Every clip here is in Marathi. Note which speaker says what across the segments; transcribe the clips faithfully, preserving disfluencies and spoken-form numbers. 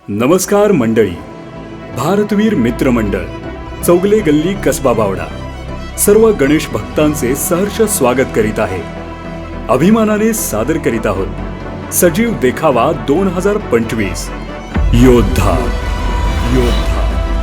Speaker 1: नमस्कार मंडळी. भारतवीर मित्र मंडळ, चौगले गल्ली, कसबा बावडा सर्व गणेश भक्तांचे सहर्ष स्वागत करीत आहे. अभिमानाने सादर करीत आहोत सजीव देखावा दोन हजार पंचवीस योद्धा. योद्धा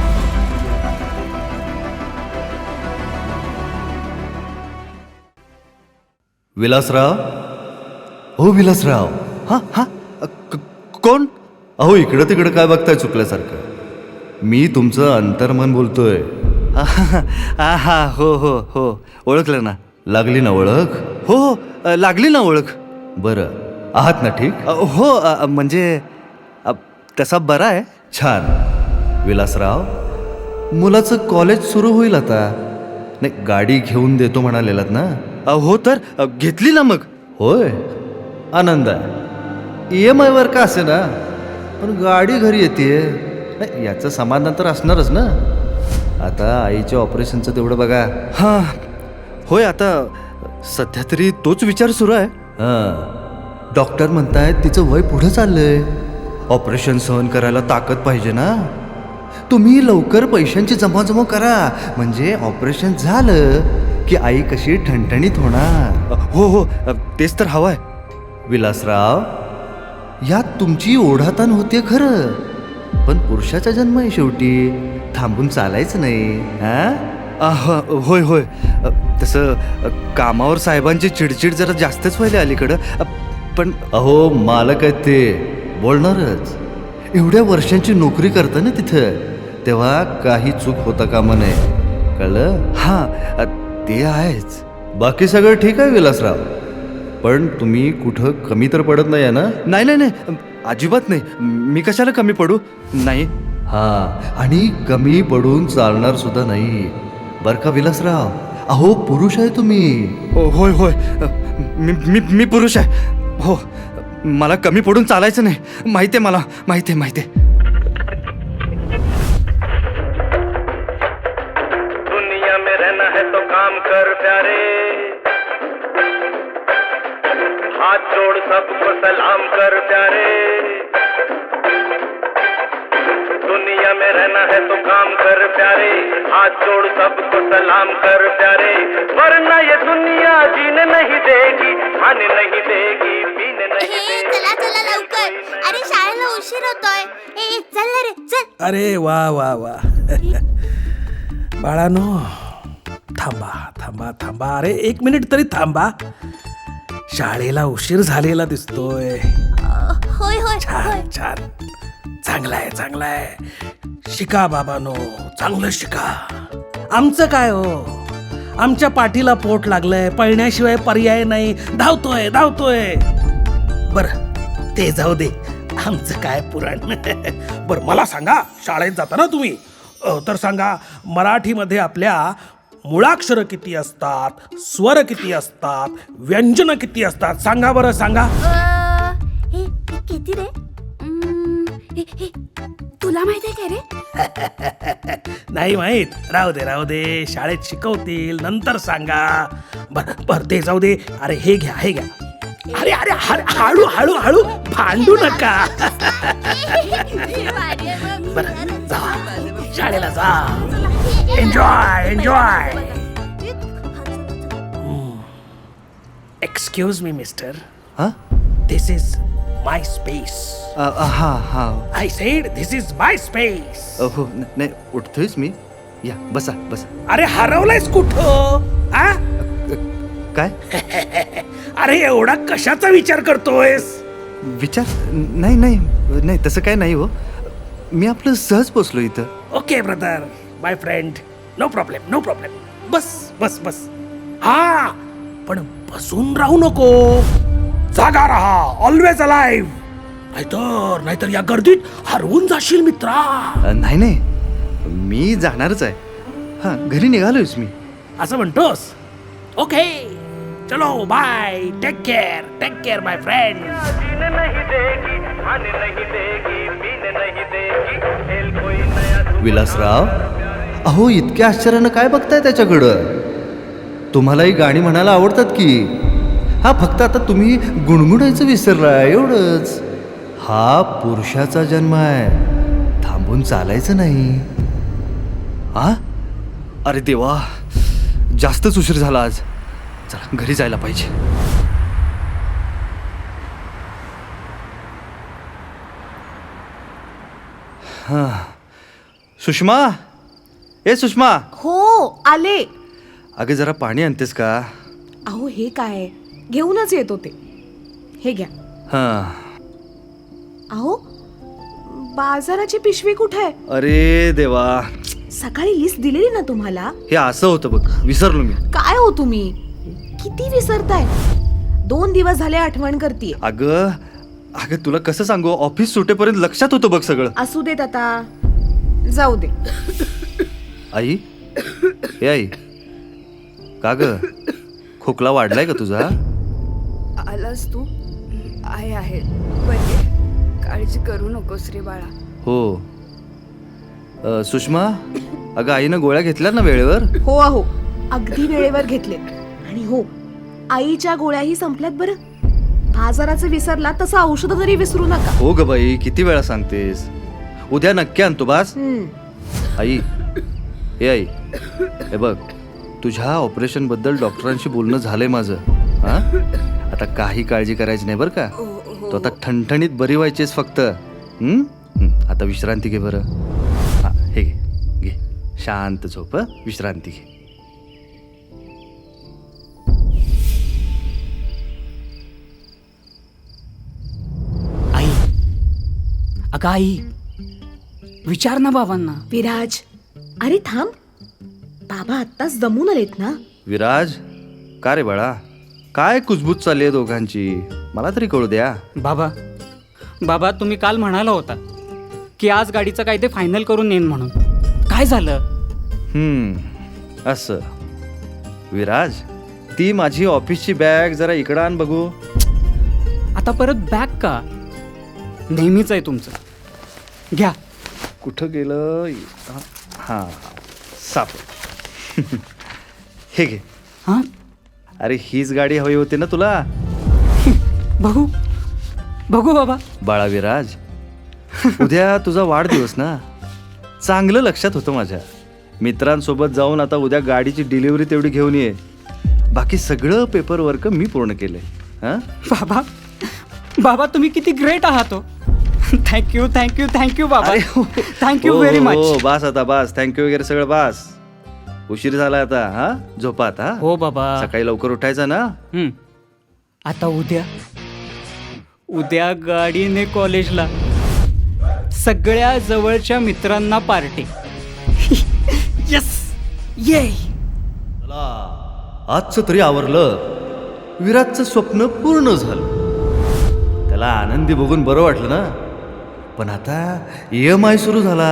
Speaker 2: विलासराव. हो विलासराव. हा हा कोण? अहो इकडं तिकडं काय बघताय चुकल्यासारखं. मी तुमचं अंतर्मन बोलतोय.
Speaker 3: हा हा हो हो हो ओळखलं ना.
Speaker 2: लागली ना ओळख?
Speaker 3: हो हो लागली ना ओळख.
Speaker 2: बरं, आहात ना ठीक?
Speaker 3: अ, हो अ, म्हणजे अ, तसा बरा आहे.
Speaker 2: छान. विलासराव, मुलाचं कॉलेज सुरू होईल आता. नाही, गाडी घेऊन देतो म्हणालेलात ना?
Speaker 3: अ, हो तर अ, घेतली ना मग.
Speaker 2: होय, आनंद आहे. ई एम आयवर का असे ना, पण गाडी घरी येते याचं समाधान तर असणारच ना. आता आईच्या ऑपरेशनचं तेवढं बघा.
Speaker 3: हां होय, आता सध्या तरी तोच विचार सुरू आहे.
Speaker 2: हां, डॉक्टर म्हणतायत तिचं वय पुढं चाललंय. ऑपरेशन सहन करायला ताकद पाहिजे ना. तुम्ही लवकर पैशांची जमाजमा करा, म्हणजे ऑपरेशन झालं की आई कशी ठणठणीत होणार.
Speaker 3: अ, हो हो अ, तेच तर हवं आहे.
Speaker 2: विलासराव, यात तुमची ओढाताण होते खरं, पण पुरुषाचा जन्म आहे शेवटी. थांबून चालायचं नाही. हा
Speaker 3: अ, ह, होय होय अ, तसं अ, कामावर साहेबांची चिडचिड जरा जास्तच व्हायला अलीकडं. अ, पण
Speaker 2: अहो मालक आहेत ते, बोलणारच. एवढ्या वर्षांची नोकरी करता ना तिथं, तेव्हा काही चूक होता कामा नये. कळलं?
Speaker 3: हां अ, ते आहेच.
Speaker 2: बाकी सगळं ठीक आहे विलासराव, पण तुम्ही कुठं कमी तर पडत नाही आहे ना?
Speaker 3: नाही नाही नाही अजिबात नाही. मी कशाला कमी पडू? नाही.
Speaker 2: हां, आणि कमी पडून चालणार सुद्धा नाही बरं का विलासराव. अहो पुरुष आहे तुम्ही.
Speaker 3: हो होय होय अ, मी मी मी पुरुष आहे. हो, मला कमी पडून चालायचं नाही. माहिती आहे मला, माहिती आहे माहिती आहे.
Speaker 4: दुनिया में रहना है तो काम कर प्यारे, हाथ जोड़ सबको सलाम कर प्यारे. दुनिया में रहना है तो काम कर प्यारे, हाथ जोड़ सबको सलाम कर प्यारे. वरना ये दुनिया जीने नहीं देगी, खाने नहीं देगी, पीने नहीं
Speaker 5: हे
Speaker 4: देगी.
Speaker 5: चला चला लवकर. अरे शाळेला उशीर होतोय. ए चल ना रे चल.
Speaker 6: अरे वा वा वा बाळानो, थांबा थांबा थांबा. अरे एक मिनिट तरी थांबा. शाळेला उशीर झालेला दिसतोय.
Speaker 5: अ, होय होय
Speaker 6: छान
Speaker 5: होय.
Speaker 6: छान, चांगला आहे चांगला आहे. शिका बाबानो, चांगलं शिका. आमचं काय हो, आमच्या पाठीला पोट लागलंय, पळण्याशिवाय पर्याय नाही. धावतोय धावतोय. बर ते जाऊ दे, आमचं काय पुराण. बर मला सांगा, शाळेत जाताना तुम्ही अ, तर सांगा, मराठीमध्ये आपल्या मुळाक्षर किती असतात, स्वर किती असतात, व्यंजन किती असतात? सांगा बरं सांगा.
Speaker 5: अ, हे हे किती रे? उम्म, हे हे तुला माहिती आहे का रे?
Speaker 6: नाही माहीत? राहू दे राहू दे, शाळेत शिकवतील, नंतर सांगा. बर बर ते जाऊ दे. अरे हे घ्या हे घ्या. अरे अरे अरे हळू हळू हळू, भांडू नका. बर जा, शाळेला जा. Enjoy enjoy. Excuse me mister,
Speaker 3: हां
Speaker 6: दिस इज माय स्पेस.
Speaker 3: हां हां
Speaker 6: I said this is my space.
Speaker 3: हो न- नाही उठतोयच मी. या बसा बसा.
Speaker 6: अरे हरवलायस कुठं? आ?
Speaker 3: काय
Speaker 6: अरे एवढा कशाचा विचार करतोयस?
Speaker 3: विचार? नाही नाही नाही तसं काय नाही हो. मी आपलं सहज बसलो इथं.
Speaker 6: Okay brother, my friend, no problem no problem. बस बस बस. हा, पण बसून राहू नको, जागा राहा, ऑलवेज अलाइव्ह. नाहीतर नाहीतर या गर्दीत हरवून जाशील मित्रा.
Speaker 3: अ, नाही नाही मी जाणारच आहे. हां घरी निघालोयच मी.
Speaker 6: असं म्हणतोस? ओके, चलो bye, take care take care my friend.
Speaker 4: जीने नहीं देगी, खाने नहीं देगी, पीने नहीं देगी, खेल कोई नया.
Speaker 2: विलासराव, अहो इतक्या आश्चर्यानं काय बघताय त्याच्याकडं? तुम्हालाही गाणी म्हणायला आवडतात की. हा, फक्त आता तुम्ही गुणगुणायचं विसरलाय एवढंच. हा पुरुषाचा जन्म आहे. थांबून चालायचं नाही.
Speaker 3: हा अरे देवा, जास्तच उशीर झाला आज. चला घरी जायला पाहिजे. हा सुषमा, ए सुषमा,
Speaker 7: हो आले.
Speaker 3: अगं जरा पाणी आणतेस का?
Speaker 7: अहो हे काय, घेऊनच येत होते. हे घ्या.
Speaker 3: हा.
Speaker 7: अहो बाजाराची पिशवी कुठे आहे?
Speaker 3: अरे देवा,
Speaker 7: सकाळी लिस्ट दिलेली ना तुम्हाला.
Speaker 3: हे असं होतं बघ, विसरलो मी.
Speaker 7: काय हो तुम्ही, किती विसरताय? दोन दिवस झाले आठवण करतीये.
Speaker 3: अगं अगं तुला कसं सांगू, ऑफिस सुटेपर्यंत लक्षात होतं बघ सगळं.
Speaker 7: असू देत आता, जाऊ दे.
Speaker 3: आई, हे आई, का ग खोकला वाढलाय का तुझा?
Speaker 5: आलास तू? आहे आहे बरे, काळजी करू नकोस रे बाळा.
Speaker 3: हो. अ, सुषमा, अगं आईनं गोळ्या घेतल्या ना वेळेवर?
Speaker 7: हो अहो, अगदी वेळेवर घेतले. आणि हो, आईच्या गोळ्याही संपल्यात बरं. बाजाराचं विसरला तसं औषध तरी विसरू नका.
Speaker 3: हो ग बाई, किती वेळा सांगतेस. उद्या नक्की आणतो बास.
Speaker 7: हम्म.
Speaker 3: आई, हे आई, हे बघ, तुझ्या ऑपरेशन बद्दल डॉक्टरांशी बोलणं झालंय माझं. हा, आता काही काळजी करायची नाही बरं का. तो आता ठणठणीत बरी व्हायचीस फक्त. हम्म? हम्म, आता विश्रांती घे बरं. हा, हे घे घे, शांत झोप, हं? विश्रांती घे.
Speaker 8: आई, अगं आई, विचार ना बाबांना.
Speaker 7: विराज, अरे थांब. बाबा आत्ताच दमून आलेत ना.
Speaker 3: विराज, का रे बाळा, काय कुजबूज चालली आहे दोघांची, मला तरी कळू द्या.
Speaker 8: बाबा बाबा तुम्ही काल म्हणाला होता की आज गाडीचं काय ते फायनल करून येईन म्हणून. काय झालं?
Speaker 3: हम्म, असं. विराज, ती माझी ऑफिसची बॅग जरा इकडं आण बघू.
Speaker 8: आता परत बॅग का? नेहमीच आहे तुमचं. घ्या.
Speaker 3: कुठं गेलं? हां, साप. हे घे.
Speaker 8: हां,
Speaker 3: अरे हीच गाडी हवी होती ना तुला?
Speaker 8: बघू बघू बाबा.
Speaker 3: बाळा विराज, उद्या तुझा वाढदिवस ना, चांगलं लक्षात होतं माझ्या. मित्रांसोबत जाऊन आता उद्या गाडीची डिलिव्हरी तेवढी घेऊन ये. बाकी सगळं पेपर वर्क मी पूर्ण केलंय. हां
Speaker 8: बाबा बाबा तुम्ही किती ग्रेट आहात हो. थँक्यू थँक्यू थँक्यू बाबा, थँक्यू व्हेरी
Speaker 3: हो
Speaker 8: मच.
Speaker 3: बास आता, बास. थँक्यू वगैरे सगळं बास. उशीर झाला आता. हा, झोपात. हा,
Speaker 8: हो बाबा.
Speaker 3: सकाळी लवकर उठायचं ना.
Speaker 8: हं. आता उद्या उद्या गाडीने कॉलेजला, सगळ्या जवळच्या मित्रांना पार्टी. यस, ये.
Speaker 2: आजचं तरी आवरलं. विराजचं स्वप्न पूर्ण झालं. त्याला आनंदी बघून बरं वाटलं ना. पण आता ई एम आय सुरू झाला.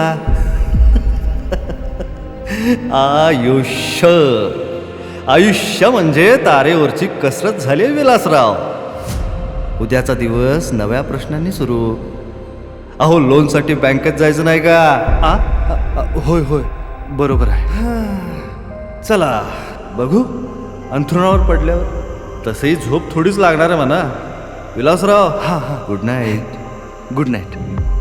Speaker 2: आयुष्य आयुष्य म्हणजे तारेवरची कसरत झाली विलासराव. उद्याचा दिवस नव्या प्रश्नांनी सुरू. अहो, लोनसाठी बँकेत जायचं नाही का?
Speaker 3: आ? अ, होय होय, बरोबर आहे.
Speaker 2: चला बघू. अंथरुणावर पडल्यावर तसंही झोप थोडीच लागणार आहे म्हणा. विलासराव, हा हा, गुड नाईट.
Speaker 3: Good night.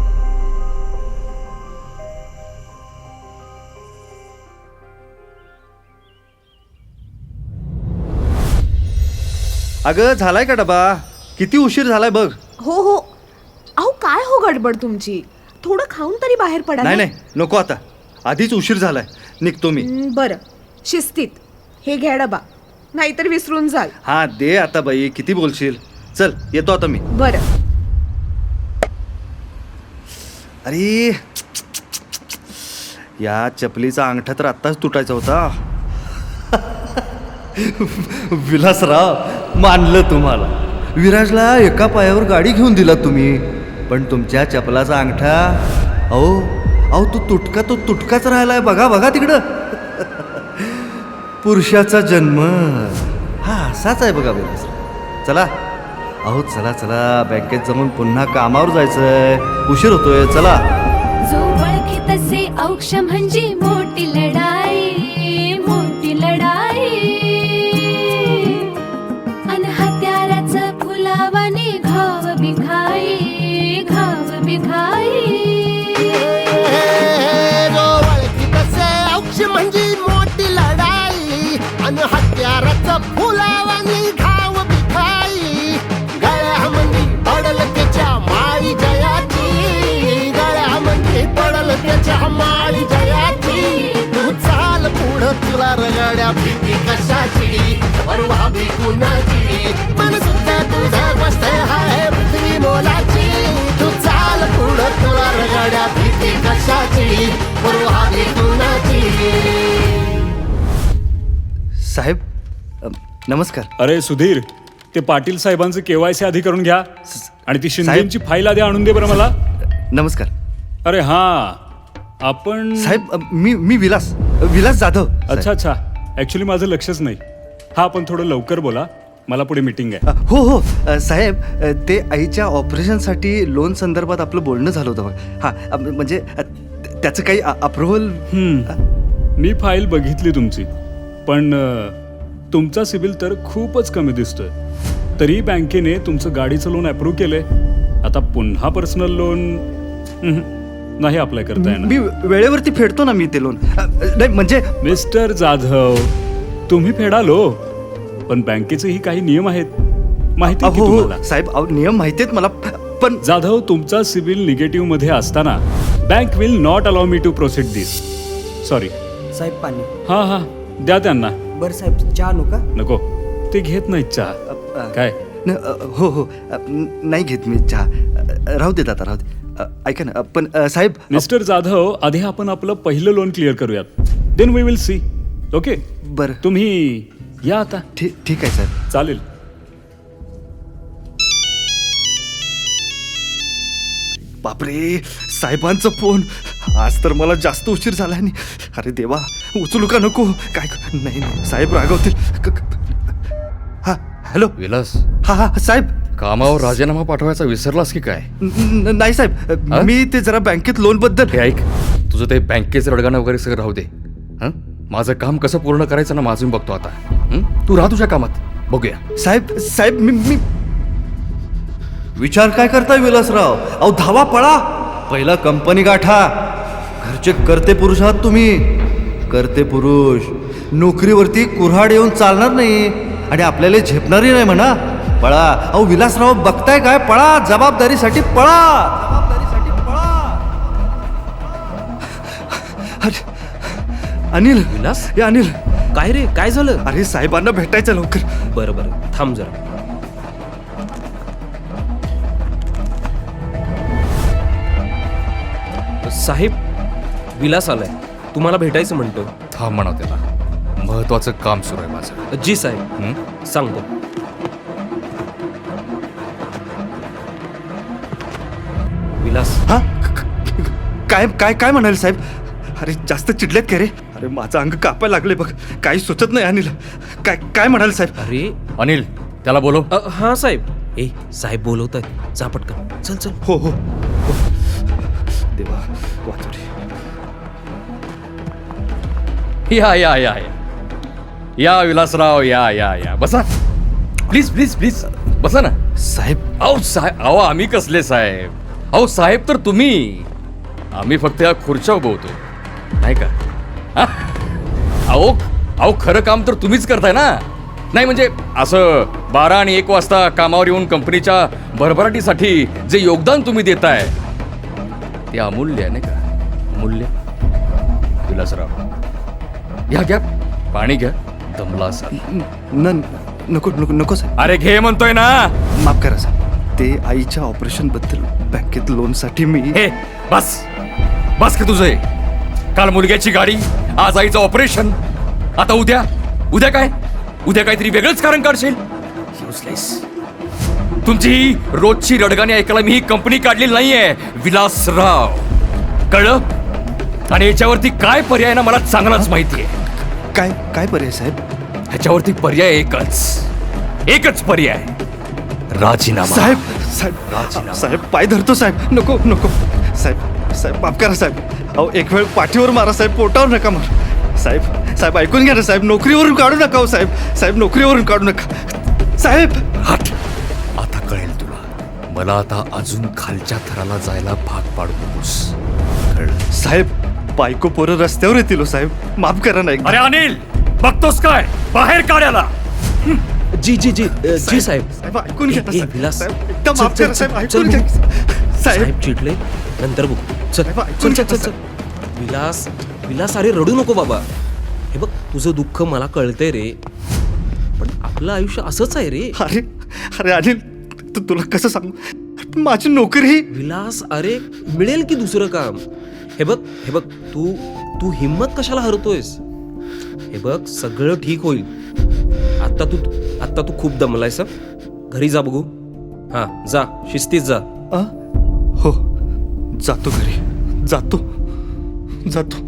Speaker 3: अगं झालाय का डबा? किती उशीर झालाय बघ.
Speaker 7: हो हो. अहो काय हो गडबड तुमची, थोडं खाऊन तरी बाहेर पडा.
Speaker 3: नाही
Speaker 7: ना.
Speaker 3: नाही, नको आता, आधीच उशीर झालाय, निघतो मी.
Speaker 7: हं, बरं, शिस्तीत. हे घ्या डबा, नाहीतर विसरून जाल.
Speaker 3: हा दे आता बाई, किती बोलशील. चल येतो आता मी.
Speaker 7: बरं.
Speaker 3: अरे या चपलीचा अंगठा तर आत्ताच तुटायचा होता.
Speaker 2: विलासराव, मानलं तुम्हाला. विराजला एका पायावर गाडी घेऊन दिला तुम्ही, पण तुमच्या चपलाचा अंगठा, अहो अहो तो तुटका तो तुटकाच राहिलाय. बघा बघा तिकडं. पुरुषाचा जन्म हा असाच आहे बघा विलासराव. चला अहो, चला चला, बँकेत जाऊन पुन्हा कामावर जायचंय. उशीर होतोय. चला.
Speaker 9: जो ओळखी तसे औक्ष म्हणजे मोठी लढाई, मोठी लढाई. अन हत्याराचं फुलावाने घाव बिघाई, घाव बिघाई.
Speaker 10: रगड्या भीती कशाची परवा भी कुणाची मन सुद्धा तुझा मस्त आहे पृथ्वी मोलाची तू चाल पुढं तुला रगड्या भीती कशाची परवा भी कुणाची.
Speaker 3: साहेब अ, नमस्कार.
Speaker 1: अरे सुधीर, ते पाटील साहेबांचं केवायसी आधी करून घ्या आणि ती शिंदेची फाईल आधी आणून दे बरं मला.
Speaker 3: नमस्कार
Speaker 1: अरे हा, आपण
Speaker 3: साहेब. अ, मी मी विलास विलास जाधव.
Speaker 1: अच्छा अच्छा, ऍक्च्युली माझं लक्षच नाही. हा, आपण थोडं लवकर बोला, मला पुढे मीटिंग आहे.
Speaker 3: अ, हो हो अ, साहेब अ, ते आईच्या ऑपरेशनसाठी लोन संदर्भात आपलं बोलणं झालं होतं बघा. हां अ, म्हणजे अ, त्याचं काही अप्रुव्हल.
Speaker 1: हम्म. मी फाईल बघितली तुमची, पण अ, तुमचा सिबिल तर खूपच कमी दिसतोय. तरी बँकेने तुमचं गाडीचं लोन अप्रूव्ह केलंय. आता पुन्हा पर्सनल लोन नाही अप्लाय करता येणार.
Speaker 3: मी वेळेवरती फेडतो ना मी ते लोन. अ, नाही म्हणजे
Speaker 1: मिस्टर जाधव, तुम्ही फेडालो, पण बँकेचेही काही नियम आहेत, माहिती आहे की
Speaker 3: हो हो
Speaker 1: तुम्हाला?
Speaker 3: साहेब अहो, नियम माहिती आहेत मला, पण
Speaker 1: जाधव, तुमचा सिबिल निगेटिव्ह मध्ये असताना bank will not allow me to proceed this. Sorry.
Speaker 11: साहेब पाणी.
Speaker 1: हा हा, द्या त्यांना.
Speaker 11: बरं साहेब, चहा आणू का?
Speaker 1: नको, ते घेत नाहीत चहा.
Speaker 3: अ,
Speaker 1: काय?
Speaker 3: न, अ, हो हो अ, न- नाही घेत मी चहा. अ, राहू देत आता, राहू दे. अ, ऐका ना, पण अ, साहेब अ,
Speaker 1: मिस्टर जाधव, आधी आपण आपलं पहिलं लोन क्लिअर करूयात, then we will see. Okay,
Speaker 3: बरं
Speaker 1: तुम्ही या आता.
Speaker 3: ठीक ठीक आहे साहेब.
Speaker 1: चालेल.
Speaker 3: बापरे, साहेबांचा फोन. आज तर मला जास्त उशीर झाला आणि अरे देवा, उचलू का नको? काय नाही नाही, साहेब रागवतील. क- क- हा हॅलो.
Speaker 12: विलास,
Speaker 3: हा हा साहेब.
Speaker 12: कामावर राजीनामा पाठवायचा विसरलास की काय?
Speaker 3: न- न- नाही साहेब,
Speaker 12: हा?
Speaker 3: मी ते जरा बँकेत लोन बद्दल.
Speaker 12: हे ऐक, तुझं ते बँकेचं रडगाणं वगैरे सगळं राहू दे. हं? माझं काम कसं पूर्ण करायचं ना, माझं मी बघतो आता. हं? तू राह तुझ्या कामात, बघूया.
Speaker 3: साहेब साहेब मी मी विचार काय करताय विलासराव? अहो धावा पळा, पहिला कंपनी गाठा. घरचे करते पुरुष आहात तुम्ही, करते पुरुष. नोकरीवरती कुऱ्हाड येऊन चालणार नाही आणि आपल्याला झेपणारही नाही म्हणा. पळा. अहो विलासराव, बघताय काय? पळा, जबाबदारीसाठी पळा. जबाबदारीसाठी पळा. अरे अनिल.
Speaker 11: विलास,
Speaker 3: हे अनिल.
Speaker 11: काय रे, काय झालं?
Speaker 3: अरे साहेबांना भेटायचं लवकर.
Speaker 11: बरं बरं, थांब जरा. साहेब, विलास आलाय, तुम्हाला भेटायचं म्हणतो.
Speaker 12: थांब म्हणा त्याला, महत्वाचं काम सुरू आहे माझं.
Speaker 11: जी साहेब.
Speaker 12: हं?
Speaker 11: सांगतो. विलास.
Speaker 3: हा क- क- काय काय काय म्हणाले साहेब? अरे जास्त चिडलेत का रे? अरे माझं अंग कापायला लागले बघ, काही सुचत नाही अनिल. काय काय म्हणाले साहेब?
Speaker 11: अरे
Speaker 12: अनिल, त्याला बोलव.
Speaker 11: अ, हा साहेब. ए साहेब बोलवत आहेत, जा पटकन. चल चल.
Speaker 3: हो हो हो. देवा वाचू रे.
Speaker 12: या या या या या विलासराव, या या या बसा. प्लीज प्लीज प्लीज बसा ना.
Speaker 3: साहेब.
Speaker 12: अहो साहेब, अहो आम्ही कसले साहेब? अहो साहेब तर तुम्ही, आम्ही फक्त या खुर्च्या उभवतो, नाही का? हा? अहो अहो खरं काम तर तुम्हीच करताय ना. नाही म्हणजे असं बारा आणि एक वाजता कामावर येऊन कंपनीच्या भरभराटीसाठी जे योगदान तुम्ही देताय ते अमूल्य आहे, नाही का? अमूल्य. विलासराव, या घ्या पाणी घ्या, दमला असाल.
Speaker 3: न नको नको नको साहेब.
Speaker 12: अरे घे म्हणतोय ना.
Speaker 3: माफ करा साहेब, ते आईच्या ऑपरेशन बद्दल बँकेत लोन साठी मी.
Speaker 12: हे बस बस की तुझे. काल मुलग्याची गाडी, आज आईचं ऑपरेशन, आता उद्या उद्या काय? उद्या काहीतरी वेगळंच कारण काढशील. Useless. तुमची ही रोजची रडगाणी ऐकायला मी ही कंपनी काढलेली नाहीये विलासराव, कळलं? आणि याच्यावरती काय पर्याय ना मला चांगलाच माहितीये.
Speaker 3: काय काय पर्याय साहेब?
Speaker 12: ह्याच्यावरती पर्याय एकच, एकच पर्याय, राजीनामा.
Speaker 3: साहेब साहेब साहेब पाय धरतो साहेब. नको नको साहेब. साहेब माफ करा साहेब. अहो एक वेळ पाठीवर मारा साहेब, पोटावर नका मार साहेब. साहेब ऐकून घ्या ना साहेब, नोकरीवरून काढू नका हो साहेब. साहेब नोकरीवरून काढू नका साहेब.
Speaker 12: हट, आता कळेल तुला. मला आता अजून खालच्या थराला जायला भाग पाडू नकोस, कळलं?
Speaker 3: साहेब बायको पोरं रस्त्यावर येतील हो साहेब, माफ करा ना.
Speaker 12: अरे अनिल, बघतोस काय? बाहेर काढायला.
Speaker 11: जी जी जी अ, जी साहेब.
Speaker 3: साहेब ऐकून घ्या ना
Speaker 11: ए, ए,
Speaker 3: साहेब.
Speaker 11: विलास.
Speaker 3: साहेब, एकदम
Speaker 11: चल,
Speaker 3: माफ
Speaker 11: चल,
Speaker 3: करा साहेब,
Speaker 11: चल,
Speaker 3: ऐकून
Speaker 11: चल,
Speaker 3: घ्या. साहेब
Speaker 11: साहेब चिडले, नंतर बघू. चल
Speaker 3: साहेब,
Speaker 11: चल
Speaker 3: ऐकून
Speaker 11: चल
Speaker 3: घ्या
Speaker 11: चल चल. विलास, विलास अरे रडू नको बाबा. हे बघ तुझं दुःख मला कळतंय रे, पण आपलं आयुष्य असंच आहे रे.
Speaker 2: अरे अरे अनिल, तू तुला कसं सांगू, माझी नोकरी.
Speaker 11: विलास, अरे मिळेल की दुसरं काम. हे बघ हे बघ तू तू हिम्मत कशाला हरतोयस? हे बघ सगळं ठीक होईल. आत्ता तू आत्ता तू खूप दमलायस. घरी जा बघू. हा जा, शिस्तीत जा.
Speaker 2: आ? हो, जातो घरी, जातो जातो.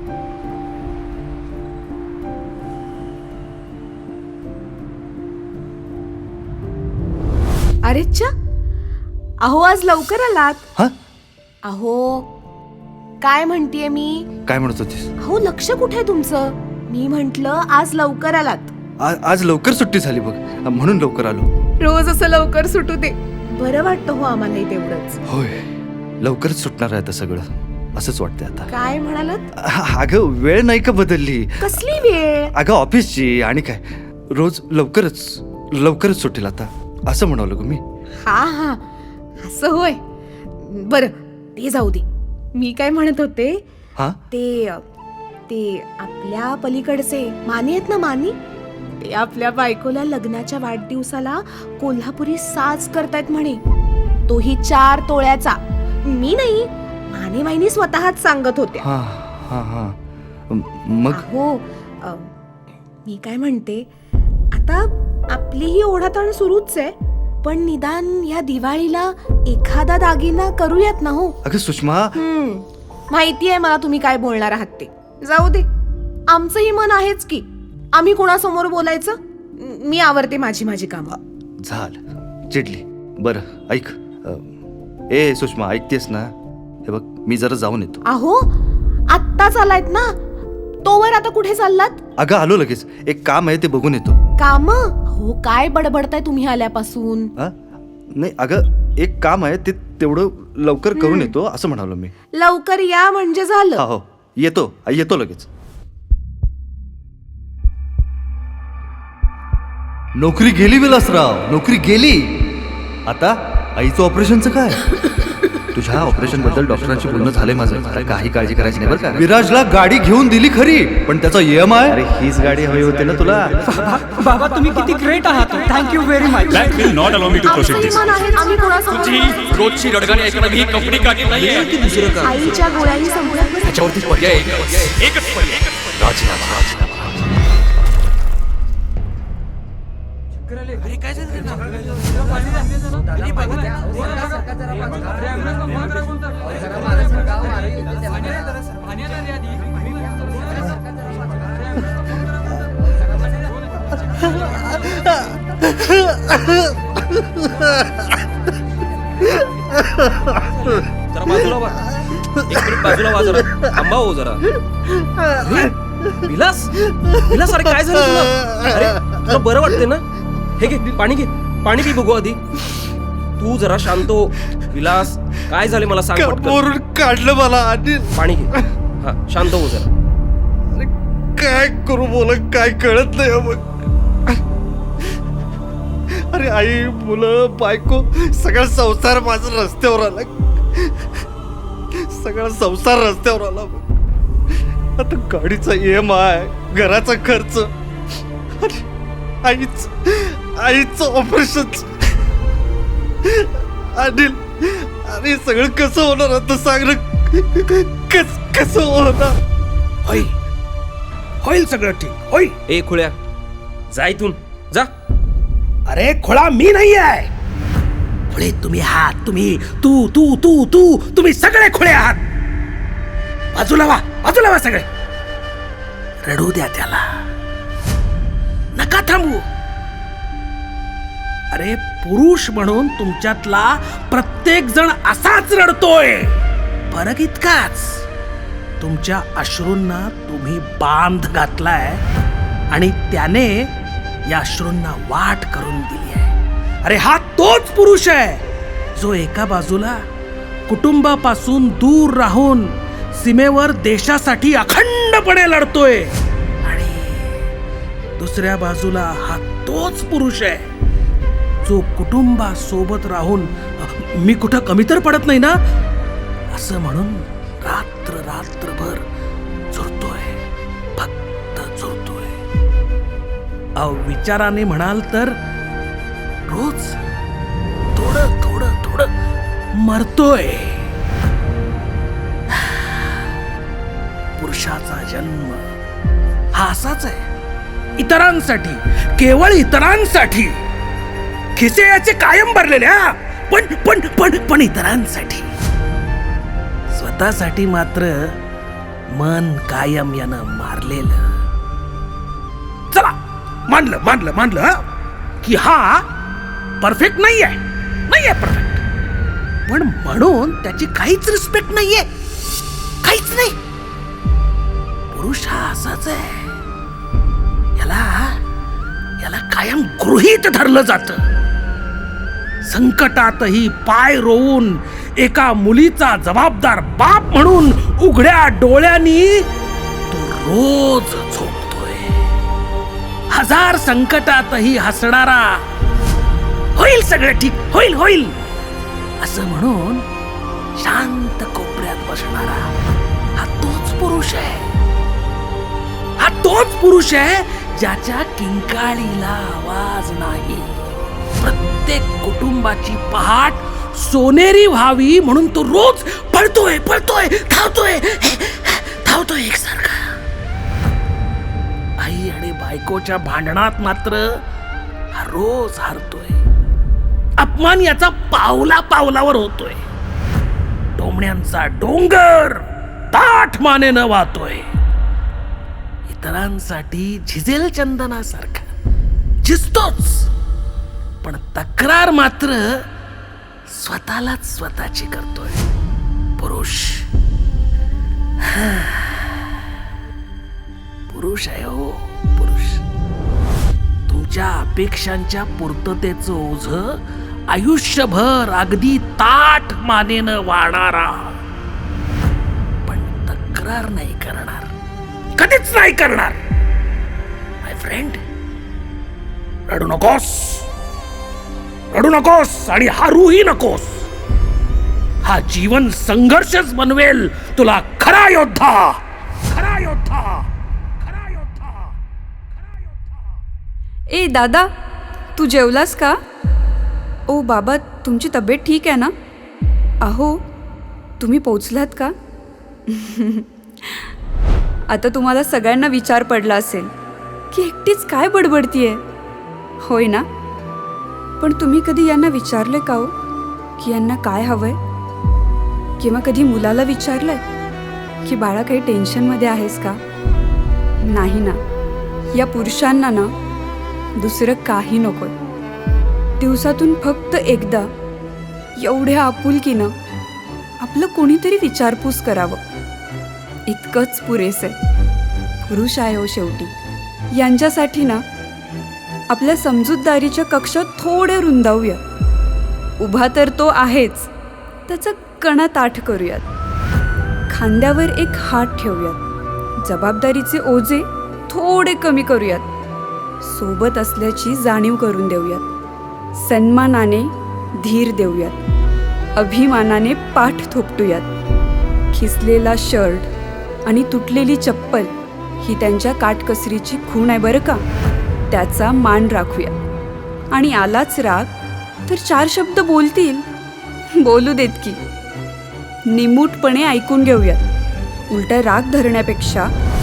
Speaker 7: अरे च्या, अहो आज लवकर आलात.
Speaker 2: हा?
Speaker 7: अहो काय म्हणतीये मी?
Speaker 2: काय म्हणत होतीस?
Speaker 7: अहो लक्ष कुठे तुमचं? मी म्हंटल आज लवकर आलात.
Speaker 2: आ- आज लवकर सुट्टी झाली बघ, म्हणून लवकर आलो.
Speaker 7: रोज असं लवकर सुटू दे, बरं वाटतं हो आम्हालाही तेवढंच.
Speaker 2: होय, लवकरच सुटणार आहे आता सगळं, असंच वाटतंय आता.
Speaker 7: काय म्हणालात?
Speaker 2: अ- अगं वेळ नाही का बदलली?
Speaker 7: कसली वेळ?
Speaker 2: अगं ऑफिसची, आणि काय रोज लवकरच लवकरच सुटेल आता, असं म्हणालो ग मी.
Speaker 7: हा हा, असं होय. बरं ते जाऊ दे. मी काय म्हणत होते,
Speaker 2: हा?
Speaker 7: ते ते आपल्या पलीकडचे मानी आहेत ना, मानी, ते आपल्या बायकोला लग्नाच्या वाढदिवसाला कोल्हापुरी साज करतायत म्हणे, तोही चार तोळ्याचा. मी नाही, माने माईनी स्वतःच सांगत होत्या.
Speaker 2: हा हा हा मग
Speaker 7: हो, मी काय म्हणते, आता आपली ही ओढाताण सुरूच आहे, पण निदान या दिवाळीला एखादा दागिना करूयात ना हो.
Speaker 2: अगं सुषमा,
Speaker 7: हम्म, माहिती आहे मला तुम्ही काय बोलणार आहात ते. जाऊ दे, आमचंही मन आहेच की, आम्ही कोणासमोर बोलायचं. मी आवरते माझी माझी कामं.
Speaker 2: झालं, चिडली. बरं ऐक, अ, ए सुषमा, ऐकतेस ना? हे बघ मी जरा जाऊन येतो.
Speaker 7: अहो आत्ताच आलायत ना, तोवर आता कुठे चाललात?
Speaker 2: अगं आलो लगेच, एक काम आहे ते बघून येतो.
Speaker 7: काम? हो, काय बडबडताय तुम्ही आल्यापासून?
Speaker 2: हा? नाही अगं, एक काम आहे ते तेवढं लवकर करून येतो असं म्हणालो मी.
Speaker 7: लवकर या म्हणजे झालं.
Speaker 2: हा हो, येतो येतो लगेच. नोकरी गेली विलासराव, नोकरी गेली. आता आईचं ऑपरेशनचं काय?
Speaker 3: तुझ्या ऑपरेशन बद्दल डॉक्टरांशी बोलणं झालंय माझं. आता काही काळजी करायची नाही बरं का.
Speaker 2: विराजला गाडी घेऊन दिली खरी, पण त्याचा ई एम आय.
Speaker 3: अरे हीच गाडी हवी होती ना तुला.
Speaker 8: बाबा तुम्ही किती ग्रेट आहात. थँक्यू व्हेरी मच.
Speaker 1: That will not allow me to proceed
Speaker 7: आमचंही
Speaker 1: this.
Speaker 7: मन आहे, आम्ही कोणासमोर
Speaker 12: तुझी रोजची रडगाणी ऐकणं ही कंपनी काढली नाहीये.
Speaker 11: की दुसरं काम.
Speaker 7: आईच्या गोळ्याही संपल्या.
Speaker 12: त्याच्यावरती पर्याय एकच एकच पर्याय, राजीनामा.
Speaker 11: जरा बाजूला वा, एक मिनिट बाजूला वा जरा, थांबा हो जरा. अरे, विलास विलास, अरे काय झालं तुला? अरे तुला बरं वाटते ना? हे घे पाणी, घे पाणी पी बघू आधी. तू जरा शांत हो. विलास काय झाले मला सांग पटकन.
Speaker 2: वरून काढलं मला आणि
Speaker 11: पाणी घे. हा शांत हो जरा.
Speaker 2: काय करू बोल, काय कळत नाही मग. अरे आई, मुलं, बायको, सगळा संसार माझा रस्त्यावर आला. सगळा संसार रस्त्यावर आला. आता गाडीचा ई एम आय, घराचा खर्च, आईच आईचं ऑपरेशन. अनिल, अरे सगळं कसं होणार आता सांग ना. कस कसं होणार?
Speaker 6: होईल होईल सगळं ठीक होईल.
Speaker 11: ए खुळ्या, जा इथून जा.
Speaker 6: अरे खोळा मी नाही आहे, खुळे तुम्ही आहात. तुम्ही तू तू तू तू तुम्ही सगळे खुळे आहात. बाजूला वा, बाजूला वा सगळे. रडू द्या त्याला, नका थांबू. अरे पुरुष म्हणून तुमच्यातला प्रत्येक जण असाच रडतोय. फरक इतकाच, तुमच्या अश्रूंना तुम्ही बांध घातलाय आणि त्याने या अश्रूंना वाट करून दिली आहे. अरे हा तोच पुरुष आहे जो एका बाजूला कुटुंबापासून दूर राहून सीमेवर देशासाठी अखंडपणे लढतोय आणि दुसऱ्या बाजूला हा तोच पुरुष आहे जो कुटुंबासोबत राहून मी कुठं कमी तर पडत नाही ना असं म्हणून रात्र रात्रभर झुरतोय, फक्त अहो विचाराने म्हणाल तर रोज थोडं थोडं थोडं मरतोय. पुरुषाचा जन्म हा असाच आहे, इतरांसाठी, केवळ इतरांसाठी. खिसे याचे कायम भरलेले, हा पण पण पण पण इतरांसाठी. स्वतःसाठी मात्र मन कायम यानं मारलेलं. चला मानलं मानलं मानलं हा, की हा परफेक्ट नाहीये, नाहीये परफेक्ट, पण म्हणून त्याची काहीच रिस्पेक्ट नाहीये, काहीच नाही. पुरुष हा असाच आहे, याला याला कायम गृहीत धरलं जातं. संकटातही पाय रोवून एका मुलीचा जबाबदार बाप म्हणून उघड्या डोळ्यांनी तो रोज झोपतोय. हजार संकटातही हसणारा, होईल सगळं ठीक, होईल होईल असं म्हणून शांत कोपऱ्यात बसणारा हा तोच पुरुष आहे. हा तोच पुरुष आहे ज्याच्या किंकाळीला आवाज नाही. प्रत्येक कुटुंबाची पहाट सोनेरी व्हावी म्हणून तो रोज पळतोय पळतोय धावतोय धावतोय एकसारखा. आई आणि बायकोच्या भांडणात मात्र हा रोज हारतोय. अपमान याचा पावला पावलावर होतोय. टोमण्यांचा डोंगर ताठ मानेनं वाहतोय. इतरांसाठी झिजेल चंदनासारखा झिजतोच, पण तक्रार मात्र स्वतःलाच स्वतःची करतोय. पुरुष पुरुष आहे हो, पुरुष. तुमच्या अपेक्षांच्या पूर्ततेचं ओझं आयुष्यभर अगदी ताठ मानेनं वाढणारा, पण तक्रार नाही करणार, कधीच नाही करणार. माय फ्रेंड, रडू नकोस, रडू नकोस आणि हारूही नकोस. हा जीवन संघर्षच बनवेल तुला खरा योद्धा, खरा योद्धा, खरा योद्धा, खरा योद्धा.
Speaker 5: ए दादा, तू जेवलास का? ओ बाबा, तुमची तब्येत ठीक आहे ना? अहो, तुम्ही पोचलात का? आता तुम्हाला सगळ्यांना विचार पडला असेल की एकटीच काय बडबडतीये, होय ना? पण तुम्ही कधी यांना विचारले का हो की यांना काय हवंय? किंवा कधी मुलाला विचारलंय की बाळा काही टेन्शनमध्ये आहेस का? नाही ना. या पुरुषांना ना दुसरं काही नकोय. दिवसातून फक्त एकदा एवढ्या आपुलकीनं आपलं कोणीतरी विचारपूस करावं, इतकंच पुरेसं आहे. पुरुष आहे हो शेवटी. यांच्यासाठी ना आपल्या समजूतदारीच्या कक्षात थोडे रुंदावूया. उभा तर तो आहेच, त्याचा कणा ताठ करूयात. खांद्यावर एक हात ठेवूयात. जबाबदारीचे ओझे थोडे कमी करूयात. सोबत असल्याची जाणीव करून देऊयात. सन्मानाने धीर देऊयात. अभिमानाने पाठ थोपटूयात. खिसलेला शर्ट आणि तुटलेली चप्पल ही त्यांच्या काटकसरीची खूण आहे बरं का. त्याचा मान राखूया. आणि आलाच राग तर चार शब्द बोलतील, बोलू देत की. निमूटपणे ऐकून घेऊयात. उलटा राग धरण्यापेक्षा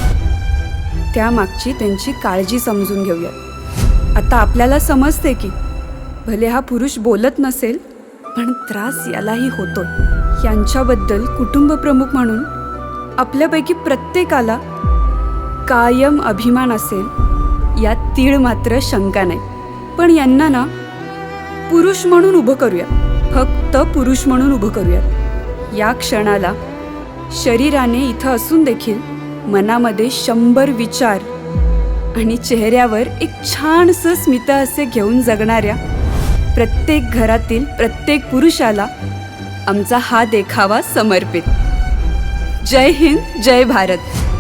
Speaker 5: त्यामागची त्यांची काळजी समजून घेऊयात. आता आपल्याला समजते की भले हा पुरुष बोलत नसेल, पण त्रास यालाही होतोय. यांच्याबद्दल कुटुंब प्रमुख म्हणून आपल्यापैकी प्रत्येकाला कायम अभिमान असेल यात तीळ मात्र शंका नाही. पण यांना ना पुरुष म्हणून उभं करूया, फक्त पुरुष म्हणून उभं करूया. या क्षणाला शरीराने इथं असून देखील मनामध्ये शंभर विचार आणि चेहऱ्यावर एक छानसं स्मितहास्य घेऊन जगणाऱ्या प्रत्येक घरातील प्रत्येक पुरुषाला आमचा हा देखावा समर्पित. जय हिंद, जय भारत.